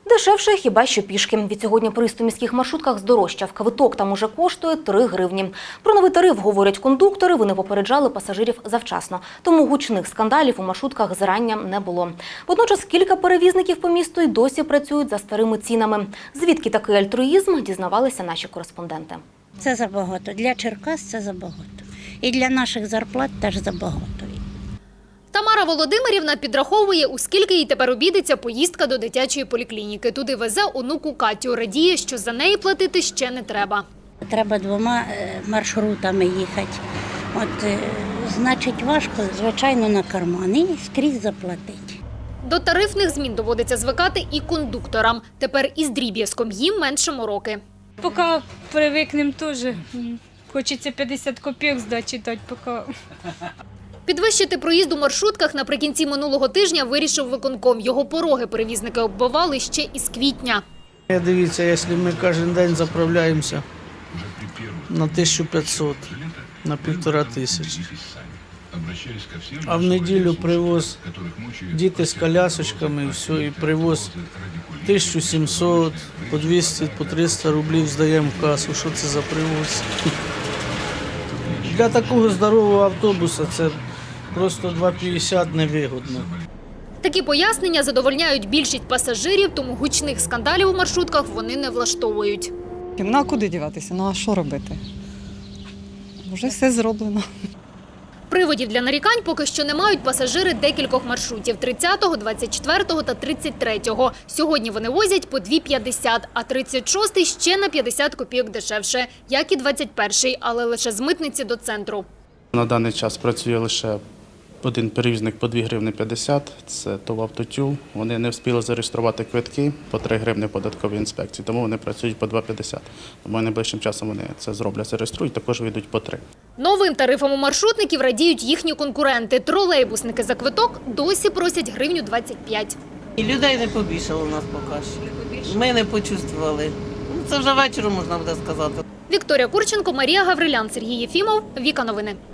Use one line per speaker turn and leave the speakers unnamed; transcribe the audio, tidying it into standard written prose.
Дешевше хіба що пішки. Відсьогодні проїзд у міських маршрутках здорожчав. Квиток там уже коштує 3 гривні. Про новий тариф говорять кондуктори, вони попереджали пасажирів завчасно. Тому гучних скандалів у маршрутках зарання не було. Водночас кілька перевізників по місту й досі працюють за старими цінами. Звідки такий альтруїзм, дізнавалися наші кореспонденти.
Це забагато. Для Черкас це забагато. І для наших зарплат теж забагато.
Тамара Володимирівна підраховує, у скільки їй тепер обійдеться поїздка до дитячої поліклініки. Туди везе онуку Катю. Радіє, що за неї платити ще не треба.
Треба 2 маршрутами їхати. Значить, важко, звичайно, на карман і скрізь заплатити.
До тарифних змін доводиться звикати і кондукторам. Тепер із дріб'язком їм менше мороки.
Поки привикнемо теж. Хочеться 50 копійок здачі дати, поки.
Підвищити проїзд у маршрутках наприкінці минулого тижня вирішив виконком. Його пороги перевізники оббивали ще із квітня.
Дивіться, якщо ми кожен день заправляємося на 1500, на 1500, а в неділю привоз діти з колясочками і все, і привоз 1700, по 200, по 300 рублів здаємо в касу. Що це за привоз? Для такого здорового автобуса це просто 2,50 невигодно.
Такі пояснення задовольняють більшість пасажирів, тому гучних скандалів у маршрутках вони не влаштовують.
Ну а куди діватися? Ну а що робити? Вже все зроблено.
Приводів для нарікань поки що не мають пасажири декількох маршрутів – 30-го, 24-го та 33-го. Сьогодні вони возять по 2,50, а 36-й ще на 50 копійок дешевше, як і 21-й, але лише з митниці до центру.
На даний час працює лише один перевізник по 2 гривні 50, це ТОВ «Автотюл». Вони не встигли зареєструвати квитки по 3 гривні податковій інспекції, тому вони працюють по 2,50. Тому найближчим часом вони це зроблять, зареєструють, також вийдуть по 3.
Новим тарифам у маршрутників радіють їхні конкуренти. Тролейбусники за квиток досі просять гривню 25.
І людей не побільшало у нас поки що. Ми не почувствували. Це вже вечором можна буде сказати.
Вікторія Курченко, Марія Гаврилян, Сергій Єфімов, Віка Новини.